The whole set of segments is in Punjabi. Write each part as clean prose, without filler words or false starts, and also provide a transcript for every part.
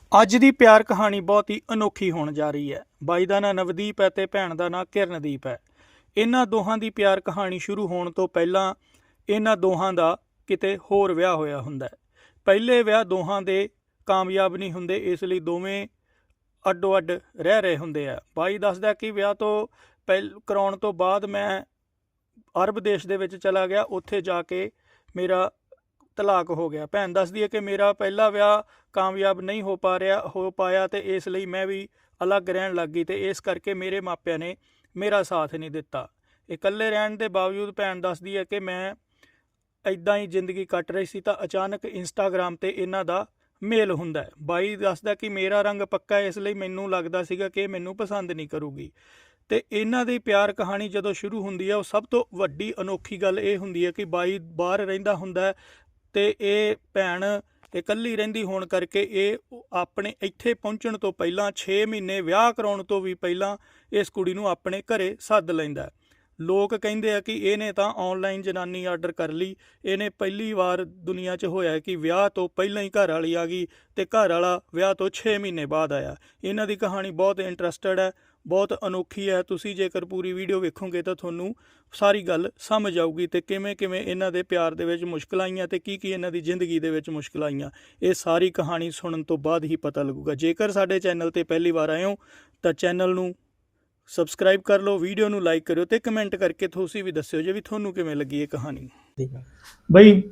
ਅੱਜ ਦੀ ਪਿਆਰ ਕਹਾਣੀ ਬਹੁਤ ਹੀ ਅਨੋਖੀ ਹੋਣ ਜਾ ਰਹੀ ਹੈ। ਬਾਈ ਦਾ ਨਾਂ ਨਵਦੀਪ ਹੈ ਤੇ ਭੈਣ ਦਾ ਨਾਂ ਕਿਰਨਦੀਪ ਹੈ। ਇਹਨਾਂ ਦੋਹਾਂ ਦੀ ਪਿਆਰ ਕਹਾਣੀ ਸ਼ੁਰੂ ਹੋਣ ਤੋਂ ਪਹਿਲਾਂ ਇਹਨਾਂ ਦੋਹਾਂ ਦਾ ਕਿਤੇ ਹੋਰ ਵਿਆਹ ਹੋਇਆ ਹੁੰਦਾ ਹੈ। ਪਹਿਲੇ ਵਿਆਹ ਦੋਹਾਂ ਦੇ ਕਾਮਯਾਬ ਨਹੀਂ ਹੁੰਦੇ, ਇਸ ਲਈ ਦੋਵੇਂ ਅੱਡੋ ਅੱਡ ਰਹਿ ਰਹੇ ਹੁੰਦੇ ਆ। ਬਾਈ ਦੱਸਦਾ ਕਿ ਵਿਆਹ ਤੋਂ ਕਰਾਉਣ ਤੋਂ ਬਾਅਦ ਮੈਂ ਅਰਬ ਦੇਸ਼ ਦੇ ਵਿੱਚ ਚਲਾ ਗਿਆ, ਉੱਥੇ ਜਾ ਕੇ ਮੇਰਾ ਤਲਾਕ ਹੋ ਗਿਆ। ਭੈਣ ਦੱਸਦੀ ਹੈ ਕਿ ਮੇਰਾ ਪਹਿਲਾ ਵਿਆਹ ਕਾਮਯਾਬ ਨਹੀਂ ਹੋ ਪਾਇਆ ਤੇ ਇਸ ਲਈ ਮੈਂ ਵੀ ਅਲੱਗ ਰਹਿਣ ਲੱਗ ਗਈ ਤੇ ਇਸ ਕਰਕੇ ਮੇਰੇ ਮਾਪਿਆਂ ਨੇ ਮੇਰਾ ਸਾਥ ਨਹੀਂ ਦਿੱਤਾ। ਇਕੱਲੇ ਰਹਿਣ ਦੇ ਬਾਵਜੂਦ ਭੈਣ ਦੱਸਦੀ ਹੈ ਕਿ ਮੈਂ ਇੱਦਾਂ ਹੀ ਜ਼ਿੰਦਗੀ ਕੱਟ ਰਹੀ ਸੀ ਤਾਂ ਅਚਾਨਕ ਇੰਸਟਾਗ੍ਰਾਮ 'ਤੇ ਇਹਨਾਂ ਦਾ ਮੇਲ ਹੁੰਦਾ ਹੈ। ਬਾਈ ਦੱਸਦਾ ਕਿ ਮੇਰਾ ਰੰਗ ਪੱਕਾ ਹੈ, ਇਸ ਲਈ ਮੈਨੂੰ ਲੱਗਦਾ ਸੀਗਾ ਕਿ ਮੈਨੂੰ ਪਸੰਦ ਨਹੀਂ ਕਰੂਗੀ। ਅਤੇ ਇਹਨਾਂ ਦੀ ਪਿਆਰ ਕਹਾਣੀ ਜਦੋਂ ਸ਼ੁਰੂ ਹੁੰਦੀ ਹੈ, ਉਹ ਸਭ ਤੋਂ ਵੱਡੀ ਅਨੋਖੀ ਗੱਲ ਇਹ ਹੁੰਦੀ ਹੈ ਕਿ ਬਾਈ ਬਾਹਰ ਰਹਿੰਦਾ ਹੁੰਦਾ ਅਤੇ ਇਹ ਭੈਣ ਇਕੱਲੀ ਰਹਿੰਦੀ ਹੋਣ ਕਰਕੇ ਇਹ ਆਪਣੇ ਇੱਥੇ ਪਹੁੰਚਣ ਤੋਂ ਪਹਿਲਾਂ 6 ਮਹੀਨੇ ਵਿਆਹ ਕਰਾਉਣ ਤੋਂ ਵੀ ਪਹਿਲਾਂ ਇਸ ਕੁੜੀ ਨੂੰ ਆਪਣੇ ਘਰੇ ਸੱਦ ਲੈਂਦਾ। ਲੋਕ ਕਹਿੰਦੇ ਆ ਕਿ ਇਹਨੇ ਤਾਂ ਔਨਲਾਈਨ ਜਨਾਨੀ ਆਰਡਰ ਕਰ ਲਈ। ਇਹਨੇ ਪਹਿਲੀ ਵਾਰ ਦੁਨੀਆ 'ਚ ਹੋਇਆ ਕਿ ਵਿਆਹ ਤੋਂ ਪਹਿਲਾਂ ਹੀ ਘਰ ਵਾਲੀ ਆ ਗਈ ਅਤੇ ਘਰ ਵਾਲਾ ਵਿਆਹ ਤੋਂ 6 ਮਹੀਨੇ ਬਾਅਦ ਆਇਆ। ਇਹਨਾਂ ਦੀ ਕਹਾਣੀ ਬਹੁਤ ਇੰਟਰਸਟਡ ਹੈ, ਬਹੁਤ ਅਨੋਖੀ ਹੈ। ਤੁਸੀਂ ਜੇਕਰ ਪੂਰੀ ਵੀਡੀਓ ਵੇਖੋਗੇ ਤਾਂ ਤੁਹਾਨੂੰ ਸਾਰੀ ਗੱਲ ਸਮਝ ਆਊਗੀ ਅਤੇ ਕਿਵੇਂ ਕਿਵੇਂ ਇਹਨਾਂ ਦੇ ਪਿਆਰ ਦੇ ਵਿੱਚ ਮੁਸ਼ਕਿਲਾਂ ਆਈਆਂ ਅਤੇ ਕੀ ਕੀ ਇਹਨਾਂ ਦੀ ਜ਼ਿੰਦਗੀ ਦੇ ਵਿੱਚ ਮੁਸ਼ਕਿਲਾਂ ਆਈਆਂ, ਇਹ ਸਾਰੀ ਕਹਾਣੀ ਸੁਣਨ ਤੋਂ ਬਾਅਦ ਹੀ ਪਤਾ ਲੱਗੂਗਾ। ਜੇਕਰ ਸਾਡੇ ਚੈਨਲ 'ਤੇ ਪਹਿਲੀ ਵਾਰ ਆਏ ਹੋ ਤਾਂ ਚੈਨਲ ਨੂੰ ਸਬਸਕ੍ਰਾਈਬ ਕਰ ਲਓ, ਵੀਡੀਓ ਨੂੰ ਲਾਈਕ ਕਰਿਓ ਅਤੇ ਕਮੈਂਟ ਕਰਕੇ ਤੁਸੀਂ ਵੀ ਦੱਸਿਓ ਜੇ ਵੀ ਤੁਹਾਨੂੰ ਕਿਵੇਂ ਲੱਗੀ ਇਹ ਕਹਾਣੀ। ਬਈ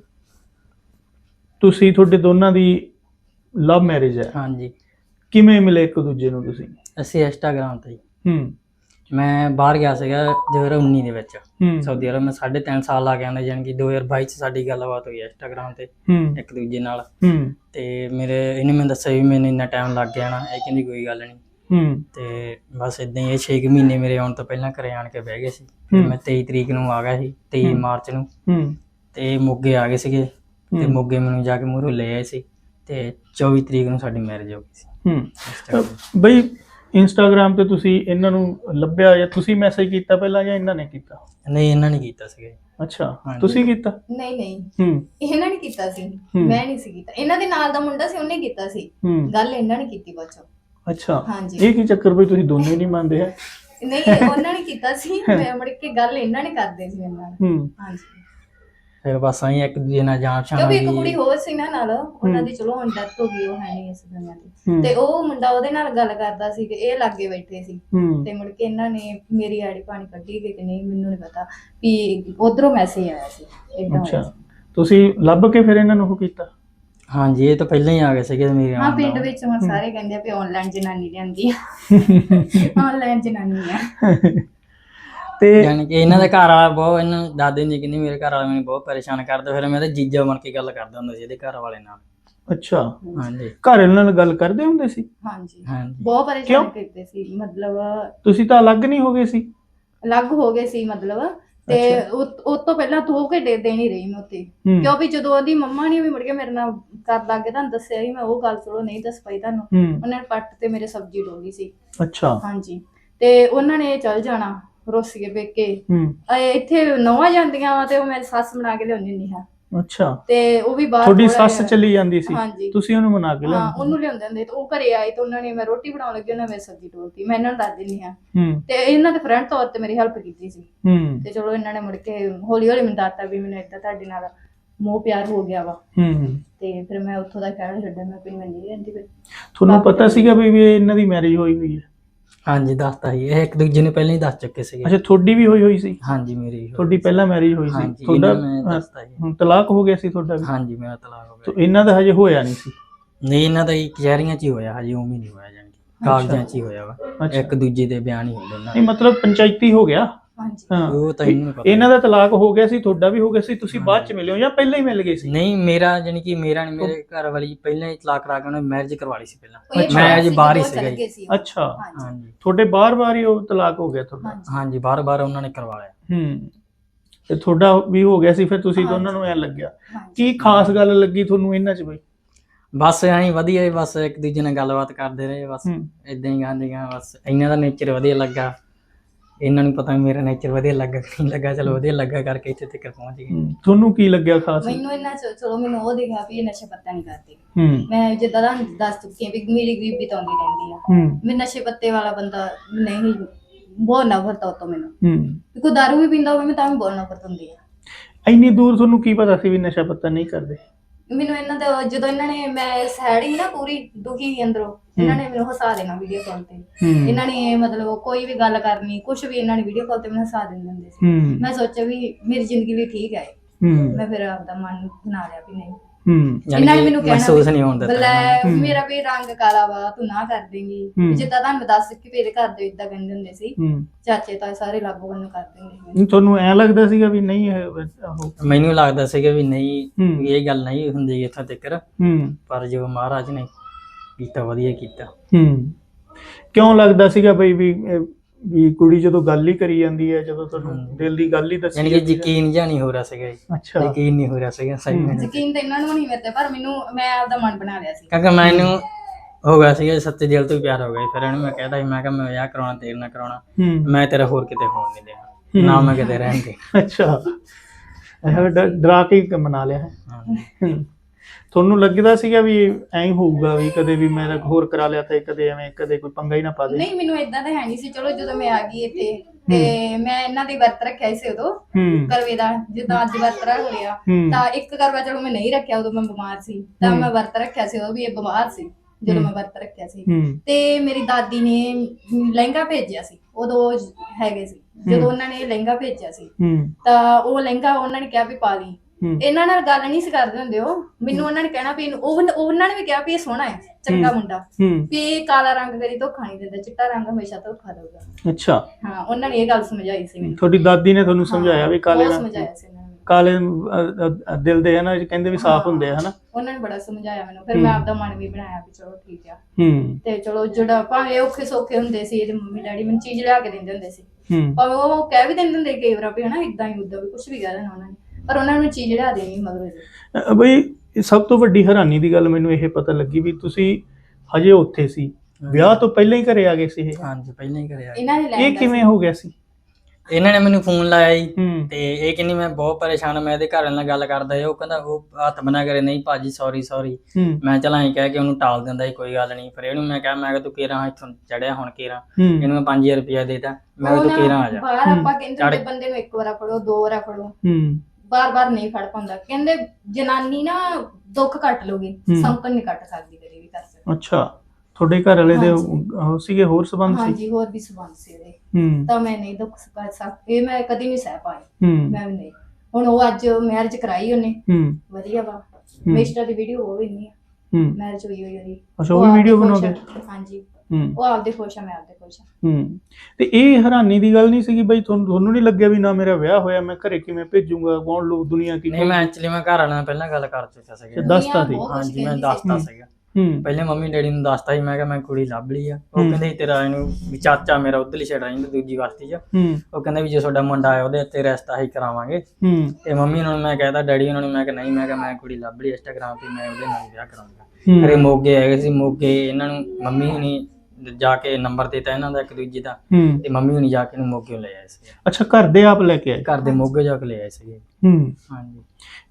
ਤੁਸੀਂ ਤੁਹਾਡੇ ਦੋਨਾਂ ਦੀ ਲਵ ਮੈਰਿਜ ਹੈ? ਹਾਂਜੀ। ਕਿਵੇਂ ਮਿਲੇ ਇੱਕ ਦੂਜੇ ਨੂੰ ਤੁਸੀਂ? ਅਸੀਂ ਇੰਸਟਾਗ੍ਰਾਮ ਤੇ। ਮੈਂ ਬਾਹਰ ਗਿਆ ਸੀਗਾ 2019 ਦੇ ਵਿੱਚ ਸਾਊਦੀ ਅਰਬ। ਮੈਂ 3.5 ਸਾਲ ਲਾ ਕੇ ਆਉਂਦਾ, ਜਾਣੀ ਕਿ 2022 ਚ ਸਾਡੀ ਗੱਲਬਾਤ ਹੋਈ ਇੰਸਟਾਗ੍ਰਾਮ ਤੇ ਇੱਕ ਦੂਜੇ ਨਾਲ। ਤੇ ਇਹਨੇ ਮੈਨੂੰ ਦੱਸਿਆ ਵੀ ਮੈਨੂੰ ਇੰਨਾ ਟਾਈਮ ਲੱਗ ਗਿਆ ਨਾ। ਇਹ ਕਹਿੰਦੀ ਕੋਈ ਗੱਲ ਨਹੀਂ। ਤੇ ਬਸ ਏਦਾਂ ਹੀ ਇਹ 6 ਮਹੀਨੇ ਮੇਰੇ ਆਉਣ ਤੋਂ ਪਹਿਲਾਂ ਘਰੇ ਆਣ ਕੇ ਬਹਿ ਗਏ ਸੀ। ਮੈਂ 23 ਤਰੀਕ ਨੂੰ ਆ ਗਿਆ ਸੀ, 23 ਮਾਰਚ ਨੂੰ। ਤੇ ਮੋਗੇ ਆ ਗਏ ਸੀਗੇ ਤੇ ਮੋਗੇ ਮੈਨੂੰ ਜਾ ਕੇ ਮੂਹਰੋਂ ਲੈ ਆਏ ਸੀ ਤੇ 24 ਤਰੀਕ ਨੂੰ ਸਾਡੀ ਮੈਰਿਜ ਹੋ ਗਈ ਸੀ। ਬਈ ਇੰਸਟਾਗ੍ਰਾਮ ਤੇ ਤੁਸੀਂ ਇਹਨਾਂ ਨੂੰ ਲੱਭਿਆ ਜਾਂ ਤੁਸੀਂ ਮੈਸੇਜ ਕੀਤਾ ਪਹਿਲਾਂ ਜਾਂ ਇਹਨਾਂ ਨੇ ਕੀਤਾ? ਨਹੀਂ, ਇਹਨਾਂ ਨੇ ਕੀਤਾ ਸੀਗਾ। ਅੱਛਾ, ਤੁਸੀਂ ਕੀਤਾ? ਨਹੀਂ ਇਹਨਾਂ ਨੇ ਕੀਤਾ ਸੀ, ਮੈਂ ਨਹੀਂ ਸੀ ਕੀਤਾ। ਇਹਨਾਂ ਦੇ ਨਾਲ ਦਾ ਮੁੰਡਾ ਸੀ, ਉਹਨੇ ਕੀਤਾ ਸੀ ਗੱਲ, ਇਹਨਾਂ ਨੇ ਕੀਤੀ ਬਾਅਦ ਚੋਂ। ਅੱਛਾ, ਇਹ ਕੀ ਚੱਕਰ ਬਈ ਤੁਸੀਂ ਦੋਨੇ ਨਹੀਂ ਮੰਨਦੇ ਹੈ? ਨਹੀਂ, ਉਹਨਾਂ ਨੇ ਕੀਤਾ ਸੀ, ਮੈਂ ਮੁੜ ਕੇ ਗੱਲ ਇਹਨਾਂ ਨੇ ਕਰਦੇ ਸੀ ਮੇਰੇ ਨਾਲ। ਹਾਂਜੀ, ਫਿਰ ਬਸ ਅਸੀਂ ਇੱਕ ਦੂਜੇ ਨਾਲ ਜਾਣ ਪਛਾਣ ਕਿਉਂਕਿ ਇੱਕ ਕੁੜੀ ਹੋਰ ਸੀ ਨਾ ਨਾਲ, ਉਹਨਾਂ ਦੀ ਚਲੋ ਹੁਣ ਡੈਥ ਹੋ ਗਈ, ਉਹ ਹੈ ਨਹੀਂ ਇਸ ਦੁਨੀਆ ਤੇ ਉਹ ਮੁੰਡਾ ਉਹਦੇ ਨਾਲ ਗੱਲ ਕਰਦਾ ਸੀ ਤੇ ਇਹ ਲਾਗੇ ਬੈਠੇ ਸੀ। ਤੇ ਮੁੜ ਕੇ ਇਹਨਾਂ ਨੇ ਮੇਰੀ ਆਈਡੀ ਪਾਣੀ ਕੱਢੀ ਕਿ ਨਹੀਂ, ਮੈਨੂੰ ਨਹੀਂ ਪਤਾ ਵੀ ਉਧਰੋਂ ਮੈਸੇਜ ਆਇਆ ਸੀ। ਅੱਛਾ, ਤੁਸੀਂ ਲੱਭ ਕੇ ਫਿਰ ਇਹਨਾਂ ਨੂੰ ਉਹ ਕੀਤਾ? ਹਾਂਜੀ, ਇਹ ਤਾਂ ਪਹਿਲਾਂ ਹੀ ਆ ਗਏ ਸੀਗੇ ਮੇਰੇ। ਹਾਂ, ਪਿੰਡ ਵਿੱਚ ਹੁਣ ਸਾਰੇ ਕਹਿੰਦੇ ਆ ਵੀ ਆਨਲਾਈਨ ਜਨਾਨੀ ਲਿਆਂਦੀ ਆ, ਆਨਲਾਈਨ ਜਨਾਨੀ ਆ। ਤੇ ਯਾਨੀ ਕਿ ਇਹਨਾਂ ਦੇ ਘਰ ਵਾਲਾ ਬਹੁਤ, ਇਹਨਾਂ ਦਾਦੇ ਜੀ ਕਹਿੰਦੀ ਮੇਰੇ ਘਰ ਵਾਲਾ ਮੈਨੂੰ ਬਹੁਤ ਪਰੇਸ਼ਾਨ ਕਰਦਾ। ਫਿਰ ਮੈਂ ਤਾਂ ਜੀਜਾ ਬਣ ਕੇ ਗੱਲ ਕਰਦਾ ਹੁੰਦਾ ਸੀ ਇਹਦੇ ਘਰ ਵਾਲੇ ਨਾਲ। ਅੱਛਾ, ਹਾਂਜੀ। ਘਰ ਨਾਲ ਗੱਲ ਕਰਦੇ ਹੁੰਦੇ ਸੀ? ਹਾਂਜੀ, ਹਾਂਜੀ। ਬਹੁਤ ਪਰੇਸ਼ਾਨ ਕਰਦੇ ਸੀ। ਮਤਲਬ ਤੁਸੀਂ ਤਾਂ ਅਲੱਗ ਨਹੀਂ ਹੋ ਗਏ ਸੀ? ਅਲੱਗ ਹੋ ਗਏ ਸੀ ਮਤਲਬ। ਤੇ ਉਸ ਤੋਂ ਪਹਿਲਾਂ 2 ਘੰਟੇ ਦੇਣੀ ਰਹੀ ਮੈਂ ਉੱਥੇ, ਕਿਉਂਕਿ ਜਦੋਂ ਉਹਦੀ ਮੰਮਾ ਨੇ ਵੀ ਮੁੜ ਕੇ ਮੇਰੇ ਨਾਲ ਕਰ ਲੱਗੇ, ਤੁਹਾਨੂੰ ਦੱਸਿਆ ਸੀ ਮੈਂ, ਉਹ ਗੱਲ ਚਲੋ ਨਹੀਂ ਦੱਸ ਪਾਈ ਤੁਹਾਨੂੰ। ਉਹਨਾਂ ਨੇ ਪੱਟ ਤੇ ਮੇਰੇ ਸਬਜ਼ੀ ਡੋਲੀ ਸੀ। ਅੱਛਾ। ਹਾਂਜੀ, ਤੇ ਉਹਨਾਂ ਨੇ ਚੱਲ ਜਾਣਾ ਰੁੱਸ ਕੇ ਪੇਕੇ। ਇੱਥੇ ਨੌਵਾਂ ਜਾਂਦੀਆਂ ਵਾ ਤੇ ਉਹ ਮੇਰੀ ਸੱਸ ਬਣਾ ਕੇ ਲਿਆਉਂਦੀ ਹੁੰਦੀ ਹੈ। ਅੱਛਾ, ਤੇ ਉਹ ਵੀ ਬਾਹਰ ਤੁਹਾਡੀ ਸੱਸ ਚਲੀ ਜਾਂਦੀ ਸੀ? ਹਾਂਜੀ, ਤੁਸੀਂ ਉਹਨੂੰ ਬਣਾ ਕੇ ਲਿਆਉਂਦੇ? ਹਾਂ, ਉਹਨੂੰ ਲਿਆਉਂਦੇ ਹੁੰਦੇ। ਤੇ ਉਹ ਘਰੇ ਆਏ ਤੇ ਉਹਨਾਂ ਨੇ, ਮੈਂ ਰੋਟੀ ਬਣਾਉਣ ਲੱਗੀ, ਉਹਨਾਂ ਮੇਰੀ ਸਬਜ਼ੀ ਡੋਲਤੀ। ਮੈਂ ਇਹਨਾਂ ਨੂੰ ਦੱਸ ਦਿੰਦੀ ਹਾਂ ਤੇ ਇਹਨਾਂ ਦੇ ਫਰੈਂਡ ਤੌਰ ਤੇ ਮੇਰੀ ਹੈਲਪ ਕੀਤੀ ਸੀ। ਤੇ ਚਲੋ ਇਹਨਾਂ ਨੇ ਮੁੜ ਕੇ ਹੌਲੀ ਹੌਲੀ ਮੈਨੂੰ ਦੱਸਤਾ ਵੀ ਮੈਨੂੰ ਏਦਾਂ ਤੁਹਾਡੇ ਨਾਲ ਮੋਹ ਪਿਆਰ ਹੋ ਗਿਆ ਵਾ। ਤੇ ਫਿਰ ਮੈਂ ਉੱਥੋਂ ਦਾ ਕਹਿਣਾ ਛੱਡਿਆ, ਮੈਂ ਕੋਈ ਨਹੀਂ ਰਹਿੰਦੀ। ਫਿਰ ਤੁਹਾਨੂੰ ਪਤਾ ਸੀਗਾ ਵੀ ਇਹਨਾਂ ਦੀ ਮੈਰਿਜ ਹੋਈ ਹੋਈ ਹੈ? ਹਾਂਜੀ, ਦੱਸਤਾ ਸੀ। ਇਹ ਇੱਕ ਦੂਜੇ ਨੂੰ ਪਹਿਲਾਂ ਹੀ ਦੱਸ ਚੁੱਕੇ ਸੀਗੇ। ਅੱਛਾ, ਤੁਹਾਡੀ ਵੀ ਹੋਈ ਸੀ? ਹਾਂਜੀ, ਮੇਰੀ। ਤੁਹਾਡੀ ਪਹਿਲਾਂ ਮੈਰਿਜ ਹੋਈ ਸੀ? ਤੁਹਾਡਾ ਹੁਣ ਤਲਾਕ ਹੋ ਗਿਆ ਸੀ ਤੁਹਾਡਾ ਵੀ? ਹਾਂਜੀ, ਮੇਰਾ ਤਲਾਕ ਹੋ ਗਿਆ। ਤੇ ਇਹਨਾਂ ਦਾ ਹਜੇ ਹੋਇਆ ਨਹੀਂ ਸੀ? ਨਹੀਂ, ਇਹਨਾਂ ਦਾ ਕਚਹਿਰੀਆਂ 'ਚ ਹੀ ਹੋਇਆ, ਹਜੇ ਉਵੇਂ ਨਹੀਂ ਹੋਇਆ, ਜਾਣੀ ਕਾਗਜ਼ਾਂ 'ਚ ਹੀ ਹੋਇਆ ਵਾ। ਇੱਕ ਦੂਜੇ ਦੇ ਬਿਆਨ ਹੀ ਹੁੰਦੇ ਨੇ। ਨਹੀਂ, ਮਤਲਬ ਪੰਚਾਇਤੀ ਹੋ ਗਿਆ? ਹਾਂ, ਉਹ ਤਾਂ ਇਹਨੂੰ ਪਤਾ। ਇਹਨਾਂ ਦਾ ਤਲਾਕ ਹੋ ਗਿਆ ਸੀ, ਤੁਹਾਡਾ ਵੀ ਹੋ ਗਿਆ ਸੀ, ਤੁਸੀਂ ਬਾਅਦ ਚ ਮਿਲੇ ਹੋ ਜਾਂ ਪਹਿਲਾਂ ਹੀ ਮਿਲ ਗਏ ਸੀ? ਨਹੀਂ, ਮੇਰਾ ਜਾਨੀ ਕਿ ਮੇਰਾ ਨਹੀਂ, ਮੇਰੇ ਘਰ ਵਾਲੀ ਪਹਿਲਾਂ ਹੀ ਤਲਾਕ ਕਰਾ ਕੇ ਉਹਨੇ ਮੈਰਿਜ ਕਰਵਾ ਲਈ ਸੀ ਪਹਿਲਾਂ। ਮੈਂ ਅਜੇ ਬਾਹਰ ਹੀ ਸੀਗਾ। ਅੱਛਾ, ਹਾਂਜੀ। ਤੁਹਾਡੇ ਬਾਰ-ਬਾਰ ਹੀ ਉਹ ਤਲਾਕ ਹੋ ਗਿਆ ਤੁਹਾਡਾ? ਹਾਂਜੀ, ਬਾਰ-ਬਾਰ ਉਹਨਾਂ ਨੇ ਕਰਵਾਇਆ। ਤੇ ਤੁਹਾਡਾ ਵੀ ਹੋ ਗਿਆ ਸੀ, ਫਿਰ ਤੁਸੀਂ ਦੋਨਾਂ ਨੂੰ ਐ ਲੱਗਿਆ? ਕੀ ਖਾਸ ਗੱਲ ਲੱਗੀ ਤੁਹਾਨੂੰ ਇਹਨਾਂ ਚ ਬਈ? ਬਸ ਐਂ ਵਧੀਆ, ਬਸ ਇੱਕ ਦੂਜੇ ਨਾਲ ਗੱਲਬਾਤ ਕਰਦੇ ਰਹੇ, ਬਸ ਏਦਾਂ ਹੀ ਗਾਂਦੀਆਂ। ਬਸ ਇਹਨਾਂ ਦਾ ਨੇਚਰ ਵਧੀਆ ਲੱਗਾ। ਇਹਨਾਂ ਨੂੰ ਪਤਾ ਮੇਰਾ ਨੇਚਰ ਵਧੀਆ ਲੱਗਾ ਕਿ ਨਹੀਂ ਲੱਗਾ, ਚਲੋ ਵਧੀਆ ਲੱਗਾ ਕਰਕੇ ਇੱਥੇ ਤੱਕ ਪਹੁੰਚ ਗਏ। ਤੁਹਾਨੂੰ ਕੀ ਲੱਗਿਆ ਖਾਸ? ਮੈਨੂੰ ਇਹਨਾਂ ਚਲੋ ਮੈਨੂੰ ਉਹ ਦੇਖਿਆ ਵੀ ਇਹ ਨਸ਼ਾ ਪੱਤਾ ਨਹੀਂ ਕਰਦੇ। ਹੂੰ ਮੈਂ ਜਿੱਦਾਂ ਦਾ ਦੱਸ ਚੁੱਕੀ ਹਾਂ ਵੀ ਮੇਰੀ ਗਰੀਬੀ ਤਾਂ ਆਉਂਦੀ ਰਹਿੰਦੀ ਆ। ਹੂੰ ਮੈਂ ਨਸ਼ੇ ਪੱਤੇ ਵਾਲਾ ਬੰਦਾ ਨਹੀਂ, ਬਹੁਤ ਨਫ਼ਰਤ ਆ ਉਹ ਤੋਂ ਮੈਨੂੰ। ਹੂੰ ਕੋਈ ਦਾਰੂ ਵੀ ਪੀਂਦਾ ਹੋਵੇ ਮੈਂ ਤਾਂ ਵੀ ਬਹੁਤ ਨਫ਼ਰਤ ਹੁੰਦੀ ਆ। ਇੰਨੀ ਦੂਰ ਤੁਹਾਨੂੰ ਕੀ ਪਤਾ ਸੀ ਵੀ ਨਸ਼ਾ ਪੱਤਾ ਨਹੀਂ ਕਰਦੇ? ਮੈਨੂੰ ਇਹਨਾਂ ਦਾ ਜਦੋਂ ਇਹਨਾਂ ਨੇ ਮੈਂ ਸੈਡ ਹੀ ਨਾ ਪੂਰੀ ਦੁਖੀ ਸੀ ਅੰਦਰੋਂ, ਇਹਨਾਂ ਨੇ ਮੈਨੂੰ ਹਸਾ ਦੇਣਾ ਵੀਡੀਓ ਕਾਲ ਤੇ। ਇਹਨਾਂ ਨੇ ਮਤਲਬ ਕੋਈ ਵੀ ਗੱਲ ਕਰਨੀ ਕੁਝ ਵੀ ਇਹਨਾਂ ਨੇ ਵੀਡੀਓ ਕਾਲ ਤੇ ਮੈਨੂੰ ਹਸਾ ਦਿੰਦੇ ਹੁੰਦੇ ਸੀ। ਮੈਂ ਸੋਚਿਆ ਵੀ ਮੇਰੀ ਜ਼ਿੰਦਗੀ ਵੀ ਠੀਕ ਹੈ। ਮੈਂ ਫਿਰ ਆਪਦਾ ਮਨ ਬਣਾ ਲਿਆ ਵੀ ਨਹੀਂ, ਇਹਨਾਂ ਨੇ ਮੈਨੂੰ ਮਹਿਸੂਸ ਨਹੀਂ ਹੋਣ ਦਿੱਤਾ ਕਹਿਣਾ ਮੇਰਾ ਵੀ ਰੰਗ ਕਾਲਾ ਵਾ, ਤੂੰ ਨਾ ਕਰ ਦੇਂਗੀ। ਜਿੱਦਾਂ ਤੁਹਾਨੂੰ ਦੱਸ ਕਿ ਮੇਰੇ ਘਰ ਦੇ ਇਦਾਂ ਕਹਿੰਦੇ ਹੁੰਦੇ ਸੀ, ਚਾਚੇ ਤਾਂ ਸਾਰੇ ਲਾਗੂ ਬੰਨ ਕਰ ਦਿੰਦੇ। ਤੁਹਾਨੂੰ ਐ ਲੱਗਦਾ ਸੀਗਾ ਵੀ ਨਹੀਂ ਮੈਨੂੰ ਲੱਗਦਾ ਸੀਗਾ ਵੀ ਨਹੀਂ, ਇਹ ਗੱਲ ਨਹੀਂ ਹੁੰਦੀ ਇੱਥੋਂ ਤੱਕ, ਪਰ ਜੋ ਮਹਾਰਾਜ ਨੇ ਕੀਤਾ ਵਧੀਆ ਕੀਤਾ। ਕਿਉਂ ਲੱਗਦਾ ਸੀਗਾ ਬਈ ਵੀ ਕੁੜੀ ਜਦੋਂ ਗੱਲ ਹੀ ਕਰੀ ਜਾਂਦੀ ਹੈ, ਜਦੋਂ ਤੁਹਾਨੂੰ ਦਿਲ ਦੀ ਗੱਲ ਹੀ ਦੱਸੀ ਯਾਨੀ ਕਿ ਯਕੀਨ ਜਾਂ ਨਹੀਂ ਹੋ ਰਿਹਾ ਸੀਗਾ। ਅੱਛਾ, ਯਕੀਨ ਨਹੀਂ ਹੋ ਰਿਹਾ ਸੀਗਾ ਸਹੀ ਮੈਨੂੰ। ਯਕੀਨ ਤਾਂ ਇਹਨਾਂ ਨੂੰ ਨਹੀਂ ਮੇਰੇ ਤੇ, ਪਰ ਮੈਨੂੰ ਮੈਂ ਆਪਦਾ ਮਨ ਬਣਾ ਲਿਆ ਸੀ ਕਿਉਂਕਿ ਮੈਨੂੰ ਹੋ ਗਿਆ ਸੀਗਾ ਸੱਚੇ ਦਿਲ ਤੋਂ ਪਿਆਰ ਹੋ ਗਿਆ। ਫਿਰ ਇਹਨੂੰ ਮੈਂ ਕਹਿਦਾ ਮੈਂ ਕਿਹਾ ਮੈਂ ਵਿਆਹ ਕਰਾਉਣਾ ਤੇਰੇ ਨਾਲ ਕਰਾਉਣਾ, ਮੈਂ ਤੇਰਾ ਹੋਰ ਕਿਤੇ ਹੋਣ ਨਹੀਂ ਦੇਣਾ, ਨਾ ਮੈਂ ਕਿਤੇ ਰਹਿਣ ਦੇ। ਅੱਛਾ, ਡਰਾ ਕੇ ਮਨਾ ਲਿਆ ਹੈ। ਤੁਹਾਨੂੰ ਲੱਗਦਾ ਸੀਗਾ ਵੀ ਐਂ ਹੋਊਗਾ ਵੀ ਕਦੇ ਵੀ ਮੈਂ ਹੋਰ ਕਰਾ ਲਿਆ ਤਾਂ ਕਦੇ ਐਵੇਂ ਕਦੇ ਕੋਈ ਪੰਗਾ ਹੀ ਨਾ ਪਾ ਦੇ? ਨਹੀਂ, ਮੈਨੂੰ ਇਦਾਂ ਤਾਂ ਹੈ ਨਹੀਂ ਸੀ। ਚਲੋ ਜਦੋਂ ਮੈਂ ਆ ਗਈ ਇੱਥੇ ਤੇ ਮੈਂ ਇਹਨਾਂ ਦੀ ਵਰਤ ਰੱਖਿਆ ਸੀ ਉਦੋਂ ਕਰਵੇ ਦਾ, ਜਿੱਦਾਂ ਅੱਜ ਵਰਤ ਰੱਖ ਲਿਆ ਤਾਂ ਇੱਕ ਕਰਵਾ ਚਲੋ ਮੈਂ ਨਹੀਂ ਰੱਖਿਆ, ਉਦੋਂ ਮੈਂ ਬਿਮਾਰ ਸੀ ਤਾਂ ਮੈਂ ਵਰਤ ਰੱਖਿਆ ਸੀ, ਉਹ ਵੀ ਇਹ ਬਿਮਾਰ ਸੀ ਜਦੋਂ ਮੈਂ ਵਰਤ ਰੱਖਿਆ ਸੀ। ਤੇ ਮੇਰੀ ਦਾਦੀ ਨੇ ਲਹਿੰਗਾ ਭੇਜਿਆ ਸੀ, ਉਦੋਂ ਹੈਗੇ ਸੀ ਜਦੋਂ ਉਹਨਾਂ ਨੇ ਲਹਿੰਗਾ ਭੇਜਿਆ ਸੀ ਤਾਂ ਉਹ ਲਹਿੰਗਾ ਉਹਨਾਂ ਨੇ ਕਿਹਾ ਵੀ ਪਾ ਲਈ। ਇਹਨਾਂ ਨਾਲ ਗੱਲ ਨਹੀਂ ਸੀ ਕਰਦੇ ਹੁੰਦੇ ਉਹ, ਮੈਨੂੰ ਉਹਨਾਂ ਨੇ ਕਹਿਣਾ ਵੀ ਉਹਨਾਂ ਨੇ ਵੀ ਕਿਹਾ ਵੀ ਇਹ ਸੋਹਣਾ ਹੈ, ਚੰਗਾ ਮੁੰਡਾ, ਵੀ ਕਾਲਾ ਰੰਗ ਕਦੀ ਧੋਖਾ ਨਹੀਂ ਦਿੰਦਾ, ਚਿੱਟਾ ਰੰਗ ਹਮੇਸ਼ਾ ਧੋਖਾ ਦੇਊਗਾ। ਅੱਛਾ, ਹਾਂ, ਉਹਨਾਂ ਨੇ ਇਹ ਗੱਲ ਸਮਝਾਈ ਸੀ ਮੈਨੂੰ। ਤੁਹਾਡੀ ਦਾਦੀ ਨੇ ਤੁਹਾਨੂੰ ਸਮਝਾਇਆ ਵੀ ਕਾਲੇ ਰੰਗ, ਸਮਝਾਇਆ ਸੀ ਉਹਨਾਂ ਨੇ, ਕਾਲੇ ਦਿਲ ਦੇ ਹਨਾ ਕਹਿੰਦੇ ਵੀ ਸਾਫ਼ ਹੁੰਦੇ ਆ ਹਨਾ। ਉਹਨਾਂ ਨੇ ਬੜਾ ਸਮਝਾਇਆ ਮੈਨੂੰ। ਫਿਰ ਮੈਂ ਆਪਦਾ ਮਨ ਵੀ ਬਣਾਇਆ ਵੀ ਚਲੋ ਠੀਕ ਆ। ਤੇ ਚਲੋ ਜਿਹੜਾ ਭਾਵੇਂ ਔਖੇ ਸੌਖੇ ਹੁੰਦੇ ਸੀ, ਇਹਦੇ ਮੰਮੀ ਡੈਡੀ ਮੈਨੂੰ ਚੀਜ਼ ਲਿਆ ਕੇ ਦਿੰਦੇ ਹੁੰਦੇ ਸੀ, ਭਾਵੇਂ ਉਹ ਕਹਿ ਵੀ ਦਿੰਦੇ ਹੁੰਦੇ ਕਈ ਵਾਰ ਵੀ ਹਨਾ ਇਦਾਂ ਹੀ ਉਦਾਂ ਵੀ ਕੁਝ ਵੀ ਕਹਿ ਦੇਣਾ ਉਹਨਾਂ ਨੇ, ਪਰ ਉਹਨਾਂ ਨੂੰ ਚੀਜ਼ ਲਿਆ ਦੇਣੀ ਮਗਰੋਂ। ਬਈ ਸਭ ਤੋਂ ਵੱਡੀ ਹੈਰਾਨੀ ਦੀ ਗੱਲ ਮੈਨੂੰ ਇਹ ਪਤਾ ਲੱਗੀ ਵੀ ਤੁਸੀਂ ਹਜੇ ਉੱਥੇ ਸੀ, ਵਿਆਹ ਤੋਂ ਪਹਿਲਾਂ ਹੀ ਘਰੇ ਆ ਗਏ ਸੀ ਇਹ? ਹਾਂਜੀ, ਪਹਿਲਾਂ ਹੀ ਘਰੇ ਆ ਗਏ। ਇਹਨਾਂ ਨੇ ਇਹ ਕਿਵੇਂ ਹੋ ਗਿਆ ਸੀ? ਇਹਨਾਂ ਨੇ ਮੈਨੂੰ ਫੋਨ ਲਾਇਆ ਜੀ ਤੇ ਇਹ ਕਹਿੰਦੀ ਮੈਂ ਬਹੁਤ ਪਰੇਸ਼ਾਨ, ਮੈਂ ਇਹਦੇ ਘਰ ਨਾਲ ਗੱਲ ਕਰਦਾ, ਉਹ ਕਹਿੰਦਾ ਉਹ ਹੱਥ ਬਣਾ ਕਰੇ, ਨਹੀਂ ਭਾਜੀ ਸੌਰੀ। ਮੈਂ ਚਲਾਂ ਹੀ ਕਹਿ ਕੇ ਉਹਨੂੰ ਟਾਲ ਦਿੰਦਾ ਸੀ, ਕੋਈ ਗੱਲ ਨਹੀਂ। ਫਿਰ ਇਹਨੂੰ ਮੈਂ ਕਿਹਾ ਤੂੰ ਕੇਰਾਂ ਇੱਥੋਂ ਚੜਿਆ ਹੁਣ ਕੇਰਾਂ, ਇਹਨੂੰ ਮੈਂ 5000 ਰੁਪਇਆ ਦੇਤਾ, ਮੈਂ ਤੂੰ ਕੇਰਾਂ ਆ ਜਾ। ਬਾਹਰ ਆਪਾਂ ਕਹਿੰਦੇ ਬੰਦੇ ਨੂੰ ਇੱਕ ਵਾਰ ਫੜੋ, ਦੋ ਵਾਰ ਫੜੋ, ਬਾਰ-ਬਾਰ ਨਹੀਂ ਫੜ ਪਾਉਂਦਾ। ਕਹਿੰਦੇ ਜਨਾਨੀ ਨਾ ਦੁੱਖ ਕੱਟ ਲੋਗੇ, ਸੰਕਟ ਨਹੀਂ ਕੱਟ ਸਕਦੀ ਕਦੇ ਵੀ ਕਰ ਸਕਦੀ। ਅੱਛਾ, ਤੁਹਾਡੇ ਘਰ ਵਾਲੇ ਦੇ ਉਹ ਸੀਗੇ ਹੋਰ ਸਬੰਧ ਸੀ? ਹਾਂਜੀ, ਹੋਰ ਵੀ ਸਬੰਧ ਸੀ ਇਹਦੇ, ਤਾਂ ਮੈਂ ਨਹੀਂ ਦੁੱਖ ਕਰ ਸਕਦੀ, ਇਹ ਮੈਂ ਕਦੀ ਨਹੀਂ ਸਹਿ ਪਾਈ। ਮੈਂ ਵੀ ਨਹੀਂ। ਹੁਣ ਉਹ ਅੱਜ ਮੈਰਿਜ ਕਰਾਈ ਉਹਨੇ, ਵਧੀਆ ਵਾ, ਮਿਸਟਰ ਦੀ ਵੀਡੀਓ ਉਹ ਵੀ ਨਹੀਂ ਆ, ਮੈਰਿਜ ਹੋਈ ਉਹਦੀ। ਅੱਛਾ, ਉਹ ਵੀਡੀਓ ਬਣਾਉਂਦੇ? ਹਾਂਜੀ, ਉਹ ਆਪਦੇ ਖੁਸ਼ ਆ, ਮੈਂ ਆਪਦੇ ਖੁਸ਼ ਆ। ਤੇ ਇਹ ਹੈਰਾਨੀ ਦੀ ਗੱਲ ਨਹੀਂ ਸੀਗੀ ਬਈ ਤੁਹਾਨੂੰ ਨਹੀਂ ਲੱਗਿਆ ਵੀ ਨਾ ਮੇਰਾ ਵਿਆਹ ਹੋਇਆ, ਮੈਂ ਘਰੇ ਕਿਵੇਂ ਭੇਜੂਗਾ, ਕੌਣ ਲੋਕ ਦੁਨੀਆ ਕੀ? ਨਹੀਂ, ਮੈਂ ਐਕਚੁਅਲੀ ਮੈਂ ਘਰ ਵਾਲਿਆਂ ਨਾਲ ਪਹਿਲਾਂ ਗੱਲ ਕਰ ਚੁੱਕਿਆ ਸੀਗਾ। ਦੱਸਤਾ ਸੀ? ਹਾਂਜੀ, ਮੈਂ ਦੱਸਤਾ ਸੀਗਾ ਪਹਿਲੇ ਮੰਮੀ ਡੈਡੀ ਨੂੰ ਦੱਸਤਾ ਸੀ। ਮੈਂ ਕਿਹਾ ਮੈਂ ਕੁੜੀ ਲੱਭ ਲਈ ਆ। ਉਹ ਕਹਿੰਦੇ ਤੇਰਾ ਇਹਨੂੰ ਵੀ ਚਾਚਾ ਮੇਰਾ ਉਧਰਲੀ ਸਾਈਡ ਆ ਜਾਂਦਾ ਦੂਜੀ ਬਸਤੀ 'ਚ, ਉਹ ਕਹਿੰਦਾ ਵੀ ਜੇ ਤੁਹਾਡਾ ਮੁੰਡਾ ਆਇਆ ਉਹਦੇ ਉੱਤੇ ਰਿਸ਼ਤਾ ਹੀ ਕਰਾਵਾਂਗੇ। ਤੇ ਮੰਮੀ ਉਹਨਾਂ ਨੂੰ ਮੈਂ ਕਹਿਤਾ, ਡੈਡੀ ਉਹਨਾਂ ਨੂੰ ਮੈਂ ਕਿਹਾ ਨਹੀਂ, ਮੈਂ ਕਿਹਾ ਮੈਂ ਕੁੜੀ ਲੱਭ ਲਈ ਇੰਸਟਾਗ੍ਰਾਮ ਤੇ, ਮੈਂ ਉਹਦੇ ਨਾਲ ਵਿਆਹ ਕਰਾਂਗਾ। ਘਰੇ ਮੋਗੇ ਹੈਗੇ ਸੀ, ਮੋਗੇ ਇਹਨਾਂ ਨੂੰ ਮੰਮੀ ਹੁਣੀ ਜਾ ਕੇ ਨੰਬਰ ਦਿੱਤਾ ਇਹਨਾਂ ਦਾ ਇੱਕ ਦੂਜੇ ਦਾ, ਤੇ ਮੰਮੀ ਹੁਣੀ ਜਾ ਕੇ ਇਹਨੂੰ ਮੋਗੇ ਲੈ ਆਏ ਸੀ। ਅੱਛਾ, ਘਰ ਦੇ ਆਪ ਲੈ ਕੇ ਆਏ? ਘਰ ਦੇ ਮੋਗੇ ਜਾ ਕੇ ਲੈ ਆਏ ਸੀਗੇ। ਹਾਂਜੀ,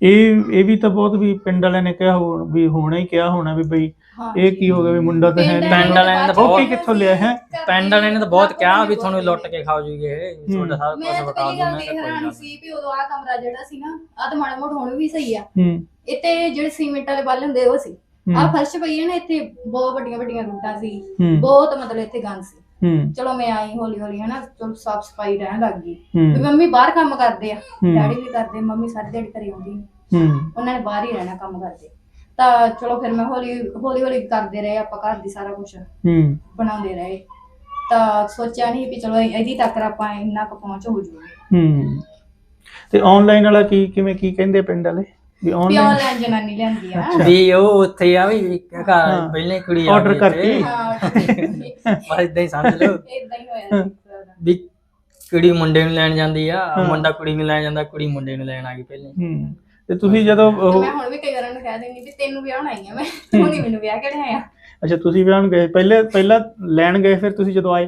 ਇਹ ਵੀ ਤਾਂ ਬਹੁਤ ਵੀ ਪਿੰਡ ਵਾਲਿਆਂ ਨੇ ਕਿਹਾ ਵੀ ਹੋਣਾ ਹੀ ਕਿਹਾ ਹੋਣਾ ਵੀ ਬਈ ਇਹ ਕੀ ਹੋ ਗਿਆ ਵੀ ਮੁੰਡਾ ਤਾਂ ਹੈ ਨਹੀਂ। ਪਿੰਡ ਵਾਲਿਆਂ ਨੇ ਤਾਂ ਬਹੁਤ ਕਿੱਥੋਂ ਲਿਆ ਹੈ, ਪਿੰਡ ਵਾਲਿਆਂ ਨੇ ਤਾਂ ਬਹੁਤ ਕਿਹਾ ਵੀ ਤੁਹਾਨੂੰ ਲੁੱਟ ਕੇ ਖਾ ਜੂਗੇ ਇਹ, ਤੁਹਾਡਾ ਸਾਰਾ ਕੁਝ ਵਕਾ ਦੂੰ। ਮੈਂ ਕਿਹਾ ਕੋਈ ਗੱਲ ਸੀ ਵੀ ਉਦੋਂ ਆ ਕਮਰਾ ਜਿਹੜਾ ਸੀ ਨਾ, ਆ ਤਾਂ ਮਾੜਾ ਮੋਟਾ ਹੁਣ ਵੀ ਸਹੀ ਆ, ਇੱਥੇ ਜਿਹੜੇ ਸੀਮੈਂਟ ਵਾਲੇ ਬੱਲ ਹੁੰਦੇ ਉਹ ਸੀ, ਆ ਫਰਸ਼ ਪਈ ਹੈ ਨਾ, ਇੱਥੇ ਬਹੁਤ ਵੱਡੀਆਂ ਵੱਡੀਆਂ ਰੂਟਾਂ ਸੀ, ਬਹੁਤ ਮਤਲਬ ਇੱਥੇ ਗੰਦ ਸੀ। ਚਲੋ ਮੈਂ ਆਈ ਹੌਲੀ ਹੌਲੀ ਹਨਾ, ਚਲੋ ਸਾਫ ਸਫਾਈ ਰਹਿਣ ਲੱਗ ਗਈ। ਮੰਮੀ ਬਾਹਰ ਕੰਮ ਕਰਦੇ ਆ, ਡੈਡੀ ਵੀ ਕਰਦੇ, ਮੰਮੀ ਸਾਰੀ ਦਿਹਾੜੀ ਘਰੇ ਆਉਂਦੀ, ਉਹਨਾਂ ਨੇ ਬਾਹਰ ਹੀ ਰਹਿਣਾ ਕੰਮ ਕਰਦੇ। ਤਾਂ ਚਲੋ ਫਿਰ ਮੈਂ ਹੌਲੀ ਹੌਲੀ ਕਰਦੇ ਰਹੇ, ਆਪਾਂ ਘਰ ਦੀ ਸਾਰਾ ਕੁਛ ਬਣਾਉਂਦੇ ਰਹੇ। ਤਾਂ ਸੋਚਿਆ ਨਹੀਂ ਵੀ ਚਲੋ ਇਹਦੀ ਤੱਕ ਆਪਾਂ ਇੰਨਾ ਕੁ ਪਹੁੰਚ ਹੋ ਜੂਗੀ। ਤੇ ਆਨਲਾਈਨ ਵਾਲਾ ਕਿਵੇਂ ਕੀ ਕਹਿੰਦੇ ਪਿੰਡ ਵਾਲੇ ਵੀ ਆਨਲਾਈਨ ਜਨਾਨੀ ਲਿਆਂਦੀ ਆ ਵੀ ਉਹ ਉੱਥੇ ਆ ਵੀ ਘਰ ਪਹਿਲੇ ਕੁੜੀ ਆਰਡਰ ਕਰਤੀ, ਬਸ ਇਦਾਂ ਹੀ ਸਮਝ ਲਓ। ਇਦਾਂ ਹੀ ਹੋਇਆ ਵੀ ਕੁੜੀ ਮੁੰਡੇ ਨੂੰ ਲੈਣ ਜਾਂਦੀ ਆ, ਮੁੰਡਾ ਕੁੜੀ ਨੂੰ ਲੈਣ ਜਾਂਦਾ, ਕੁੜੀ ਮੁੰਡੇ ਨੂੰ ਲੈਣ ਆ ਗਈ ਪਹਿਲੇ। ਤੇ ਤੁਸੀਂ ਜਦੋਂ ਮੈਂ ਹੁਣ ਵੀ ਕਈ ਵਾਰਾਂ ਨੂੰ ਕਹਿ ਦਿੰਦੀ ਵੀ ਤੈਨੂੰ ਵਿਆਹਣ ਆਈ ਆ ਮੈਂ, ਤੂੰ ਨਹੀਂ ਮੈਨੂੰ ਵਿਆਹ ਕੇ ਲਿਆਇਆ। ਅੱਛਾ, ਤੁਸੀਂ ਵਿਆਹਣ ਗਏ ਪਹਿਲਾਂ ਲੈਣ ਗਏ, ਫਿਰ ਤੁਸੀਂ ਜਦੋਂ ਆਏ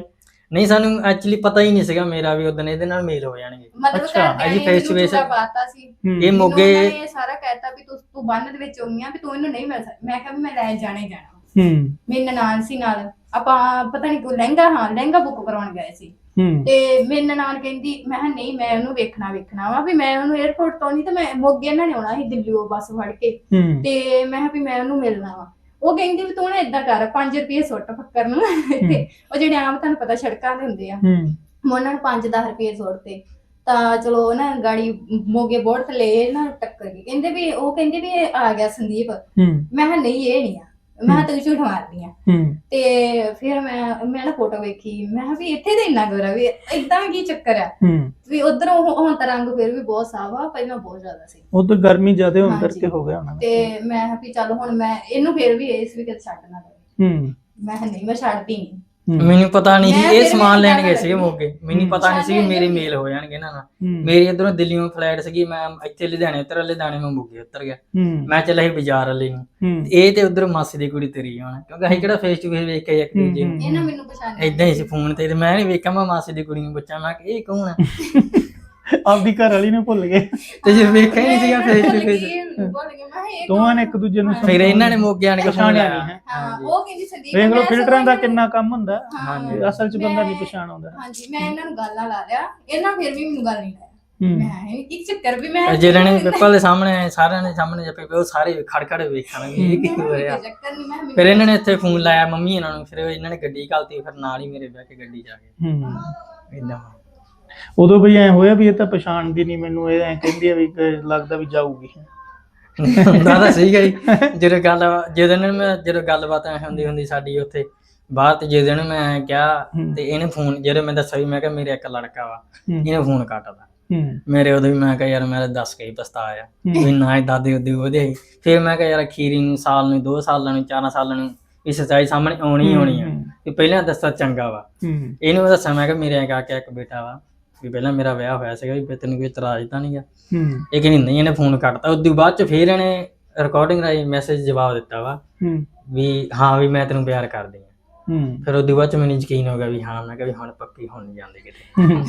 ਨਹੀਂ ਸਾਨੂੰ ਐਕਚੁਅਲੀ ਪਤਾ ਹੀ ਨਹੀਂ ਸੀਗਾ ਮੇਰਾ ਵੀ ਉਦੋਂ ਇਹਦੇ ਨਾਲ ਮੇਲ ਹੋ ਜਾਣਗੇ। ਮਤਲਬ ਅੱਛਾ, ਘਰਦਿਆਂ ਅਜੀ ਨੇ face to ਮੈਨੂੰ face ਝੂਠਾ ਪਾਤਾ ਸੀ। ਇਹ ਮੋਗੇ ਮੈਨੂੰ ਉਹਨਾਂ ਨੇ ਸਾਰਾ ਕਹਿਤਾ ਵੀ ਤੂੰ ਬੰਨ ਦੇ ਵਿੱਚ ਹੋਈ ਆ ਵੀ ਤੂੰ ਇਹਨੂੰ ਨਹੀਂ ਮਿਲ ਸਕਦੀ। ਮੈਂ ਕਿਹਾ ਵੀ ਮੈਂ ਲੈ ਜਾਣਾ ਹੀ ਜਾਣਾ। ਮੇਰੀ ਨਨਾਣ ਸੀ ਨਾਲ, ਆਪਾਂ ਪਤਾ ਨਹੀਂ ਕੋਈ ਲਹਿੰਗਾ ਬੁੱਕ ਕਰਾਉਣ ਗਏ ਸੀ ਤੇ ਮੇਰੀ ਨਨਾਣ ਕਹਿੰਦੀ, ਮੈਂ ਕਿਹਾ ਨਹੀਂ ਮੈਂ ਉਹਨੂੰ ਵੇਖਣਾ ਵਾ ਵੀ ਮੈਂ ਉਹਨੂੰ 에어ਪੋਰਟ ਤੋਂ ਨਹੀਂ ਤੇ ਮੈਂ ਮੋਗੇ ਇਹਨਾਂ ਨੇ ਆਉਣਾ ਸੀ ਦਿੱਲੀੋਂ ਬੱਸ ਫੜ ਕੇ ਤੇ ਮੈਂ ਕਿਹਾ ਵੀ ਮੈਂ ਉਹਨੂੰ ਮਿਲਣਾ ਵਾ। ਉਹ ਕਹਿੰਦੀ ਵੀ ਤੂੰ ਨਾ ਏਦਾਂ ਕਰ 5 ਰੁਪਏ ਸੁੱਟ ਫੱਕਰ ਨੂੰ ਤੇ ਉਹ ਜਿਹੜੇ ਆਮ ਤੁਹਾਨੂੰ ਪਤਾ ਸੜਕਾਂ ਤੇ ਹੁੰਦੇ ਆ, ਮੈਂ ਉਹਨਾਂ ਨੂੰ 5-10 ਰੁਪਏ ਸੁੱਟਤੇ ਤਾਂ ਚਲੋ ਨਾ ਗਾੜੀ ਮੋਗੇ ਬੋਰਡ ਥੱਲੇ ਨਾ ਟੱਕਰ ਗਈ। ਕਹਿੰਦੇ ਵੀ ਉਹ ਕਹਿੰਦੇ ਵੀ ਇਹ ਆ ਗਿਆ ਸੰਦੀਪ। ਮੈਂ ਕਿਹਾ ਨਹੀਂ ਇਹ ਨਹੀਂ ਆ, ਮੈਂ ਕਿਹਾ ਤੂੰ ਝੂਠ ਮਾਰਦੀ ਆ। ਤੇ ਫਿਰ ਮੈਂ ਨਾ ਫੋਟੋ ਵੇਖੀ, ਮੈਂ ਕਿਹਾ ਵੀ ਇੱਥੇ ਤਾਂ ਇੰਨਾ ਗੋਰਾ ਵੀ ਏਦਾਂ ਕੀ ਚੱਕਰ ਆ ਵੀ ਉਧਰੋਂ ਹੁਣ ਤਾਂ ਰੰਗ ਫਿਰ ਵੀ ਬਹੁਤ ਸਾਫ ਆ, ਪਹਿਲਾਂ ਬਹੁਤ ਜ਼ਿਆਦਾ ਸੀ ਉਧਰ ਗਰਮੀ ਜ਼ਿਆਦਾ ਹੋਣ ਕਰਕੇ ਹੋ ਗਿਆ ਹੋਣਾ। ਤੇ ਮੈਂ ਕਿਹਾ ਵੀ ਚੱਲ ਹੁਣ ਮੈਂ ਇਹਨੂੰ ਫਿਰ ਵੀ ਇਸ ਵੀ ਕਦੇ ਛੱਡ ਨਾ ਦੇਵੇ। ਮੈਂ ਕਿਹਾ ਨਹੀਂ ਮੈਂ ਛੱਡਦੀ ਨਹੀਂ। ਮੈਨੂੰ ਪਤਾ ਨਹੀਂ ਸੀ ਇਹ ਸਮਾਨ ਲੈਣ ਗਏ ਸੀਗੇ ਮੋਗੇ, ਮੈਨੂੰ ਪਤਾ ਨਹੀਂ ਸੀ ਮੇਰੇ ਮੇਲ ਹੋ ਜਾਣਗੇ ਇਹਨਾਂ ਨਾਲ। ਮੇਰੀ ਇਧਰੋਂ ਦਿੱਲੀੋਂ ਫਲਾਈਟ ਸੀਗੀ, ਮੈਂ ਇੱਥੇ ਲੁਧਿਆਣੇ ਉਤਰ, ਲੁਧਿਆਣੇ ਮੈਂ ਮੋਗੇ ਉਤਰ ਗਿਆ। ਮੈਂ ਚੱਲਿਆ ਸੀ ਬਾਜ਼ਾਰ ਵਾਲੇ ਨੂੰ, ਇਹ ਤੇ ਉਧਰ ਮਾਸੀ ਦੀ ਕੁੜੀ ਤੇਰੀ ਆਉਣਾ ਕਿਉਂਕਿ ਅਸੀਂ ਕਿਹੜਾ ਫੇਸ ਟੂ ਫੇਸ ਵੇਖ ਕੇ ਇੱਕ ਦੂਜੇ ਨੂੰ, ਇਹਨਾਂ ਮੈਨੂੰ ਪਛਾਣਿਆ ਏਦਾਂ ਹੀ ਸੀ ਫੋਨ ਤੇ ਮੈਂ ਨਹੀਂ ਵੇਖਿਆ। ਮੈਂ ਮਾਸੀ ਦੀ ਕੁੜੀ ਨੂੰ ਪੁੱਛਿਆ ਮੈਂ ਕਿ ਇਹ ਕੌਣ ਆ, ਆਪਦੀ ਘਰ ਵਾਲੀ ਨੂੰ ਭੁੱਲ ਗਏ ਤੇ ਜੇ ਵੇਖਿਆ ਹੀ ਨਹੀਂ ਸੀਗਾ ਫੇਸ ਟੂ ਫੇਸ। ਦੋਵਾਂ ਨੇ ਇੱਕ ਦੂਜੇ ਨੂੰ ਫਿਰ ਇਹਨਾਂ ਨੇ ਮੋਗੇ ਆਣ ਕੇ ਪਛਾਣਿਆ ਨਹੀਂ ਹੈ। ਉਹ ਕਹਿੰਦੀ ਸੰਦੀਪ ਵੇਖ ਲਓ ਫਿਲਟਰਾਂ ਦਾ ਕਿੰਨਾ ਕੰਮ ਹੁੰਦਾ। ਹਾਂਜੀ ਅਸਲ 'ਚ ਬੰਦਾ ਨਹੀਂ ਪਛਾਣ ਆਉਂਦਾ। ਹਾਂਜੀ ਮੈਂ ਇਹਨਾਂ ਨੂੰ ਗਾਲਾਂ ਲਾ ਲਿਆ, ਇਹਨਾਂ ਫਿਰ ਵੀ ਮੈਨੂੰ ਗੱਲ ਨਹੀਂ ਲਾਇਆ। ਮੈਂ ਇੱਕ ਚੱਕਰ ਵੀ ਮੈਂ ਜਿਹੜੇ ਨੇ ਪੇਪਰ ਦੇ ਸਾਹਮਣੇ ਸਾਰਿਆਂ ਦੇ ਸਾਹਮਣੇ ਜੱਪੇ ਉਹ ਸਾਰੇ ਖੜਖੜ ਵੇਖਣਗੇ ਇਹ ਕੀ ਹੋ ਰਿਹਾ। ਚੱਕਰ ਨਹੀਂ ਮੈਂ ਫਿਰ ਇਹਨਾਂ ਨੇ ਇੱਥੇ ਫੋਨ ਲਾਇਆ ਮੰਮੀ ਇਹਨਾਂ ਨੂੰ, ਫਿਰ ਇਹਨਾਂ ਨੇ ਗੱਡੀ ਘਾਲਤੀ, ਫਿਰ ਨਾਲ ਹੀ ਮੇਰੇ ਬਹਿ ਕੇ ਗੱਡੀ ਜਾ ਕੇ ਏਦਾਂ। ਉਦੋਂ ਵੀ ਐ ਹੋਇਆ ਵੀ ਇਹ ਤਾਂ ਪਛਾਣਦੀ ਨਹੀਂ ਮੈਨੂੰ, ਇਹ ਐ ਕਹਿੰਦੀ ਆ ਵੀ ਲੱਗਦਾ ਵੀ ਜਾਊਗੀ। ਦਾਦਾ ਸਹੀ ਗਈ ਜਦੋਂ ਗੱਲਬਾਤ ਹੁੰਦੀ ਸਾਡੀ ਉੱਥੇ ਬਾਹਰ, ਤੇ ਜੇ ਦਿਨ ਮੈਂ ਕਿਹਾ ਤੇ ਇਹਨੇ ਫੋਨ ਜਦੋਂ ਮੈਂ ਦੱਸਿਆ ਵੀ ਮੈਂ ਕਿਹਾ ਮੇਰੇ ਇੱਕ ਲੜਕਾ ਵਾ, ਇਹਨੇ ਫੋਨ ਕੱਟਦਾ ਮੇਰੇ। ਉਦੋਂ ਵੀ ਮੈਂ ਕਿਹਾ ਯਾਰ ਮੈਂ ਦੱਸ ਕੇ ਹੀ ਪਛਤਾਇਆ ਵੀ ਨਾ ਹੀ ਦਾਦੇ ਉਦੇ ਉਹਦੇ। ਫਿਰ ਮੈਂ ਕਿਹਾ ਯਾਰ ਅਖੀਰੀ ਨੂੰ ਸਾਲ ਨੂੰ 2 ਸਾਲਾਂ ਨੂੰ 4 ਸਾਲਾਂ ਨੂੰ ਇਹ ਸੱਚਾਈ ਸਾਹਮਣੇ ਆਉਣੀ ਆ ਵੀ ਪਹਿਲਾਂ ਦੱਸਾ ਚੰਗਾ ਵਾ। ਇਹਨੂੰ ਮੈਂ ਦੱਸਿਆ ਮੈਂ ਕਿਹਾ ਮੇਰੇ ਕਾਕਾ ਇੱਕ ਬੇਟਾ ਵਾ, ਵੀ ਪਹਿਲਾਂ ਮੇਰਾ ਵਿਆਹ ਹੋਇਆ ਸੀਗਾ, ਵੀ ਤੈਨੂੰ ਕੋਈ ਇਤਰਾਜ਼ ਤਾਂ ਨਹੀਂ ਗਾ। ਇਹ ਕਹਿੰਦੀ ਨਹੀਂ, ਇਹਨੇ ਫੋਨ ਕੱਟਤਾ। ਉਦੋਂ ਬਾਅਦ ਚ ਫਿਰ ਇਹਨੇ ਰਿਕਾਰਡਿੰਗ ਰਾਹੀਂ ਮੈਸੇਜ ਜਵਾਬ ਦਿੱਤਾ ਵਾ ਵੀ ਹਾਂ ਵੀ ਮੈਂ ਤੈਨੂੰ ਪਿਆਰ ਕਰਦੀ ਹਾਂ। ਫਿਰ ਉਦੋਂ ਬਾਅਦ ਚ ਮੈਨੂੰ ਯਕੀਨ ਹੋ ਗਿਆ ਵੀ ਹਾਂ, ਮੈਂ ਕਿਹਾ ਵੀ ਹੁਣ ਪੱਕੀ ਹੁਣ ਨਹੀਂ ਜਾਂਦੇ ਕਿਤੇ।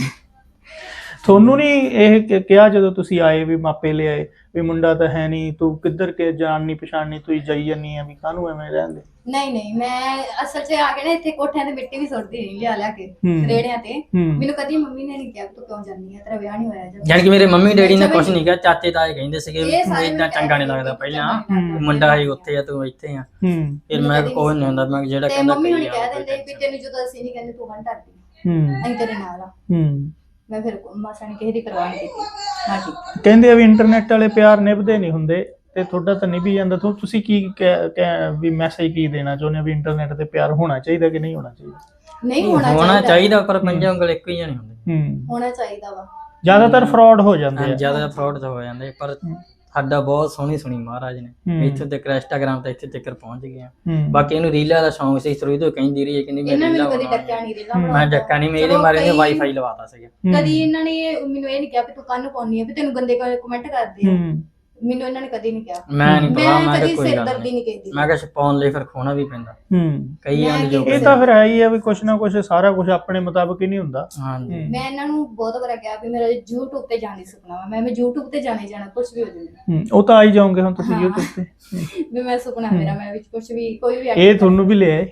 ਤੁਹਾਨੂੰ ਨਹੀਂ ਇਹ ਕਿਹਾ ਜਦੋਂ ਤੁਸੀਂ ਆਏ ਵੀ ਮਾਪੇ ਲਿਆਏ ਵੀ ਮੁੰਡਾ ਤਾਂ ਹੈ ਨਹੀਂ, ਤੂੰ ਕਿੱਧਰ ਕੇ ਜਾਣ ਨਹੀਂ ਪਛਾਣਨੀ, ਤੂੰ ਜਾਈ ਜਾਨੀ ਆ ਵੀ ਕਾਹਨੂੰ ਐਵੇਂ ਰਹਿੰਦੇ? ਨਹੀਂ ਮੈਂ ਅਸਲ 'ਚ ਆ ਕੇ ਨਾ ਇੱਥੇ ਕੋਠਿਆਂ ਤੇ ਮਿੱਟੀ ਵੀ ਸੁੱਟਦੀ ਰਹੀ ਲਿਆ ਕੇ ਰੇੜਿਆਂ ਤੇ। ਮੈਨੂੰ ਕਦੀ ਮੰਮੀ ਨੇ ਨਹੀਂ ਕਿਹਾ ਤੂੰ ਕਿਉਂ ਜਾਂਦੀ ਆ, ਤੇਰਾ ਵਿਆਹ ਨਹੀਂ ਹੋਇਆ ਜਾਂ ਜਾਨ ਕਿ ਮੇਰੇ ਮੰਮੀ ਡੈਡੀ ਨੇ ਕੁਝ ਨਹੀਂ ਕਿਹਾ, ਚਾਚੇ ਤਾਏ ਕਹਿੰਦੇ ਸੀਗੇ ਵੀ ਇਦਾਂ ਚੰਗਾ ਨਹੀਂ ਲੱਗਦਾ, ਪਹਿਲਾਂ ਮੁੰਡਾ ਹੈ ਉੱਥੇ ਆ ਤੂੰ ਇੱਥੇ ਆ। ਫਿਰ ਮੈਂ ਕੋਈ ਨਹੀਂ ਹੁੰਦਾ, ਮੈਂ ਜਿਹੜਾ ਕਹਿੰਦਾ ਮੰਮੀ ਹੁਣੀ ਕਹਿ ਦਿੰਦੇ ਵੀ ਤੈਨੂੰ ਜਦੋਂ ਅਸੀਂ ਨਹੀਂ ਕਹਿੰਦੇ ਤੂੰ ਬੰਦ ਕਰਦੀ ਅਸੀਂ ਤੇਰੇ ਨਾਲ ਆ। ਮੈਂ ਫਿਰ ਮਾਸਾ ਨੇ ਕਿਸੇ ਦੀ ਪਰਵਾਹ ਨਹੀਂ ਕੀਤੀ। ਹਾਂ ਠੀਕ ਕਹਿੰਦੇ ਆ ਵੀ ਇੰਟਰਨੈਟ ਵਾਲੇ ਪਿਆਰ ਨਿਭਦੇ ਨਹੀਂ ਹੁੰਦੇ, ਤੇ ਤੁਹਾਡਾ ਤਾਂ ਨਿਭੀ ਜਾਂਦਾ। ਤੁਸੀਂ ਕੀ ਵੀ ਮੈਸੇਜ ਕੀ ਦੇਣਾ ਚਾਹੁੰਦੇ ਵੀ ਇੰਟਰਨੈਟ ਤੇ ਪਿਆਰ ਹੋਣਾ ਚਾਹੀਦਾ ਕਿ ਨਹੀਂ ਹੋਣਾ ਚਾਹੀਦਾ? ਨਹੀਂ ਹੋਣਾ ਚਾਹੀਦਾ, ਪਰ ਪੰਜਾਂ ਉਂਗਲ ਇੱਕੋ ਹੀ ਨਹੀਂ ਹੁੰਦੇ। ਹੋਣਾ ਚਾਹੀਦਾ ਵਾ। ਜ਼ਿਆਦਾਤਰ ਫਰਾਡ ਹੋ ਜਾਂਦੇ ਆ। ਜ਼ਿਆਦਾ ਫਰਾਡ ਤਾਂ ਹੋ ਜਾਂਦੇ, ਪਰ ਸਾਡਾ ਬਹੁਤ ਸੋਹਣੀ ਮਹਾਰਾਜ ਨੇ ਇੱਥੇ ਤੱਕ ਇੰਸਟਾਗ੍ਰਾਮ ਤੇ ਇੱਥੇ ਤੱਕ ਪਹੁੰਚ ਗਏ ਆ। ਬਾਕੀ ਇਹਨੂੰ ਰੀਲਾਂ ਦਾ ਸ਼ੌਂਕ ਸੀ, ਸ਼ੁਰੂ ਤੋਂ ਕਹਿੰਦੀ ਰਹੀ ਹੈ ਕਿ ਮੈਂ ਰੀਲਾਂ ਬਣਾਉਣੀ। ਮੈਂ ਡੱਕਾ ਨਹੀਂ, ਮੇਰੇ ਮਾਰੇ ਨੇ ਵਾਈਫਾਈ ਲਵਾਤਾ ਸੀਗਾ। ਕਦੀ ਇਹਨਾਂ ਨੇ ਮੈਨੂੰ ਇਹ ਨਹੀਂ ਕਿਹਾ ਵੀ ਤੂੰ ਕੰਨ ਪਾਉਣੀ ਹੈ ਵੀ ਤੈਨੂੰ ਗੰਦੇ ਕਮੈਂਟ ਕਰਦੇ ਆ, ਮੈਨੂੰ ਇਹਨਾਂ ਨੇ ਕਦੀ ਨਹੀਂ ਕਿਹਾ। ਮੈਂ ਨਹੀਂ ਪਤਾ, ਮੈਂ ਕਦੀ ਕੋਈ ਗੱਲ ਸਿਰਦਰਦੀ ਨਹੀਂ ਕੀਤੀ। ਮੈਂ ਕਿਹਾ ਪਾਉਣ ਲਈ ਫਿਰ ਖੋਣਾ ਵੀ ਪੈਂਦਾ ਕਈ ਆਂ ਜੋ। ਇਹ ਤਾਂ ਫਿਰ ਹੈ ਹੀ ਆ ਵੀ ਕੁਛ ਨਾ ਕੁਛ ਸਾਰਾ ਕੁਝ ਆਪਣੇ ਮੁਤਾਬਕ ਹੀ ਨਹੀਂ ਹੁੰਦਾ। ਹਾਂਜੀ ਮੈਂ ਇਹਨਾਂ ਨੂੰ ਬਹੁਤ ਵਾਰ ਕਿਹਾ ਵੀ ਮੇਰਾ YouTube ਤੇ ਜਾਣ ਦੀ ਸੁਪਨਾ ਵਾ, ਮੈਂ YouTube ਤੇ ਜਾਣਾ ਕੁਝ ਵੀ ਹੋ ਜਾਵੇ। ਉਹ ਤਾਂ ਆ ਹੀ ਜਾਓਗੇ ਹੁਣ ਤੁਸੀਂ YouTube ਤੇ ਵੀ ਮੈਂ ਸੁਪਨਾ ਮੇਰਾ, ਮੈਂ ਵਿੱਚ ਕੁਝ ਵੀ ਕੋਈ ਵੀ ਇਹ ਤੁਹਾਨੂੰ ਵੀ ਲਿਆਏ।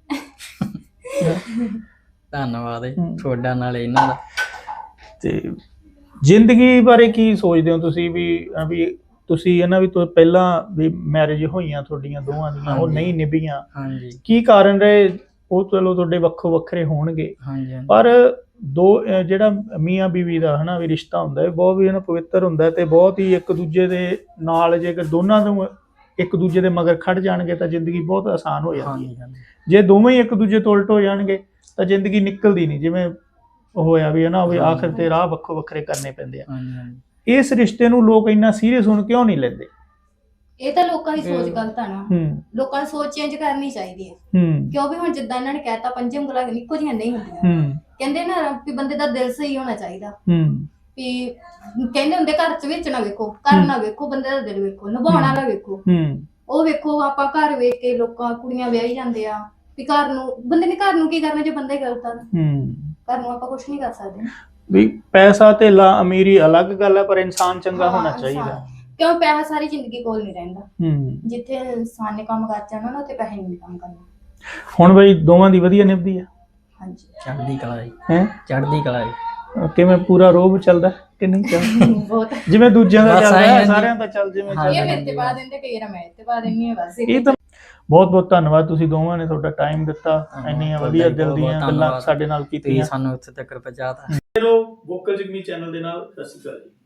ਧੰਨਵਾਦ ਤੁਹਾਡਾ ਨਾਲ ਇਹਨਾਂ ਦਾ। ਤੇ ਜ਼ਿੰਦਗੀ ਬਾਰੇ ਕੀ ਸੋਚਦੇ ਹੋ ਤੁਸੀਂ ਵੀ ਤੁਸੀਂ ਇਹਨਾਂ ਵੀ ਤੋਂ ਪਹਿਲਾਂ ਵੀ ਮੈਰਿਜ ਹੋਈਆਂ ਤੁਹਾਡੀਆਂ ਦੋਵਾਂ ਦੀਆਂ, ਉਹ ਨਹੀਂ ਨਿਭੀਆਂ, ਕੀ ਕਾਰਨ ਰਹੇ? ਉਹ ਚਲੋ ਤੁਹਾਡੇ ਵੱਖੋ ਵੱਖਰੇ ਹੋਣਗੇ, ਪਰ ਜਿਹੜਾ ਮੀਆਂ ਬੀਵੀ ਦਾ ਹਨਾ ਵੀ ਰਿਸ਼ਤਾ ਹੁੰਦਾ ਹੈ ਬਹੁਤ ਵੀ ਪਵਿੱਤਰ ਹੁੰਦਾ ਤੇ ਬਹੁਤ ਹੀ ਇੱਕ ਦੂਜੇ ਦੇ ਨਾਲ ਜੇਕਰ ਦੋਨਾਂ ਨੂੰ ਇੱਕ ਦੂਜੇ ਦੇ ਮਗਰ ਖੜ ਜਾਣਗੇ ਤਾਂ ਜ਼ਿੰਦਗੀ ਬਹੁਤ ਆਸਾਨ ਹੋ ਜਾਂਦੀ ਹੈ। ਜੇ ਦੋਵੇਂ ਹੀ ਇੱਕ ਦੂਜੇ ਤੋਂ ਉਲਟ ਹੋ ਜਾਣਗੇ ਤਾਂ ਜ਼ਿੰਦਗੀ ਨਿਕਲਦੀ ਨਹੀਂ, ਜਿਵੇਂ ਹੋਇਆ ਵੀ ਹਨਾ ਵੀ ਆਖਰ ਤੇ ਰਾਹ ਵੱਖੋ ਵੱਖਰੇ ਕਰਨੇ ਪੈਂਦੇ ਆ। ਇਸ ਰਿਸ਼ਤੇ ਨੂੰ ਲੋਕ ਇੰਨਾ ਸੀਰੀਅਸ ਹੁਣ ਕਿਉਂ ਨਹੀਂ ਲੈਂਦੇ? ਇਹ ਤਾਂ ਲੋਕਾਂ ਦੀ ਸੋਚ ਗਲਤ ਆ ਨਾ। ਲੋਕਾਂ ਦੀ ਸੋਚ ਚੇਂਜ ਕਰਨੀ ਚਾਹੀਦੀ ਹੈ, ਕਿਉਂਕਿ ਹੁਣ ਜਿੱਦਾਂ ਇਹਨਾਂ ਨੇ ਕਹਿਤਾ ਪੰਜੇ ਉਂਗਲਾਂ ਇੱਕੋ ਜਿਹੀਆਂ ਨਹੀਂ ਹੁੰਦੀਆਂ। ਕਹਿੰਦੇ ਨਾ ਵੀ ਬੰਦੇ ਦਾ ਦਿਲ ਸਹੀ ਹੋਣਾ ਚਾਹੀਦਾ। ਵੀ ਕਹਿੰਦੇ ਹੁੰਦੇ ਘਰ ਚ ਵਿੱਚ ਨਾ ਵੇਖੋ, ਘਰ ਨਾ ਵੇਖੋ, ਬੰਦੇ ਦਾ ਦਿਲ ਵੇਖੋ, ਨਿਭਾਉਣ ਵਾਲਾ ਵੇਖੋ। ਉਹ ਵੇਖੋ ਆਪਾਂ ਘਰ ਵੇਖ ਕੇ ਲੋਕਾਂ ਕੁੜੀਆਂ ਵਿਆਹੀ ਜਾਂਦੇ ਆ, ਵੀ ਘਰ ਨੂੰ ਬੰਦੇ ਨੇ ਘਰ ਨੂੰ ਕੀ ਕਰਨਾ ਜੇ ਬੰਦਾ ਹੀ ਗਲਤ ਆ ਤਾਂ। ਹੂੰ ਘਰ ਨੂੰ ਆਪਾਂ ਕੁਝ ਨਹੀਂ ਕਰ ਸਕਦੇ। ਵੀ ਪੈਸਾ ਧੇਲਾ ਅਮੀਰੀ ਅਲੱਗ ਗੱਲ ਹੈ, ਪਰ ਇਨਸਾਨ ਚੰਗਾ ਹੋਣਾ ਹਾਂ, ਚਾਹੀਦਾ। ਇਨਸਾਨ। ਕਿਉਂ ਪੈਸਾ ਸਾਰੀ ਜ਼ਿੰਦਗੀ ਕੋਲ ਨਹੀਂ ਰਹਿੰਦਾ। ਹੂੰ ਜਿੱਥੇ ਇਨਸਾਨ ਨੇ ਕੰਮ ਕਰ ਜਾਣਾ ਨਾ ਉੱਥੇ ਪੈਸੇ ਨਹੀਂ ਕੰਮ ਕਰਨਾ। ਹੁਣ ਬਈ ਦੋਵਾਂ ਦੀ ਵਧੀਆ ਨਿਭਦੀ ਆ ਹਾਂਜੀ ਚੜ੍ਹਦੀ ਕਲਾ ਜੀ, ਹੈ ਚੜ੍ਹਦੀ ਕਲਾ ਜੀ। ਕਿਵੇਂ ਪੂਰਾ ਰੋਬ ਚੱਲਦਾ ਕਿ ਨਹੀਂ ਚੱਲਦਾ? ਬਹੁਤ। ਜਿਵੇਂ ਦੂਜਿਆਂ ਦਾ ਬਸ ਚੱਲਦਾ ਆਏਂ ਹੈ, ਆ ਜੀ। ਸਾਰਿਆਂ ਦਾ ਚੱਲ ਜਿਵੇਂ ਹਾਂ, ਚੱਲਦਾ। ਇਹ ਮੇਰੇ ਤੇ ਪਾ ਦਿੰਦੇ ਕਈ ਵਾਰ ਮੈਂ ਤੇ ਪਾ ਦਿੰਦੀ ਹਾਂ ਬਸ। ਇਹ ਤਾਂ ਬਹੁਤ ਬਹੁਤ ਧੰਨਵਾਦ, ਤੁਸੀਂ ਦੋਵਾਂ ਨੇ ਤੁਹਾਡਾ ਟਾਈਮ ਦਿੱਤਾ, ਧੰਨਵਾਦ ਇੰਨੀਆਂ ਤੁਹਾਡਾ ਵਧੀਆ ਜੀ, ਦਿਲ ਬਹੁਤ ਦੀਆਂ ਬਹੁਤ ਗੱਲਾਂ ਧੰਨਵਾਦ। ਸਾਡੇ ਨਾਲ ਤੁਸੀਂ ਕੀਤੀਆਂ। ਸਾਨੂੰ ਇੱਥੇ ਤੱਕ ਪਹੁੰਚਾਤਾ। ਚਲੋ ਵੋਕਲ ਜਿਗਨੀ ਚੈਨਲ ਦੇ ਨਾਲ ਸਤਿ ਸ਼੍ਰੀ ਅਕਾਲ ਜੀ।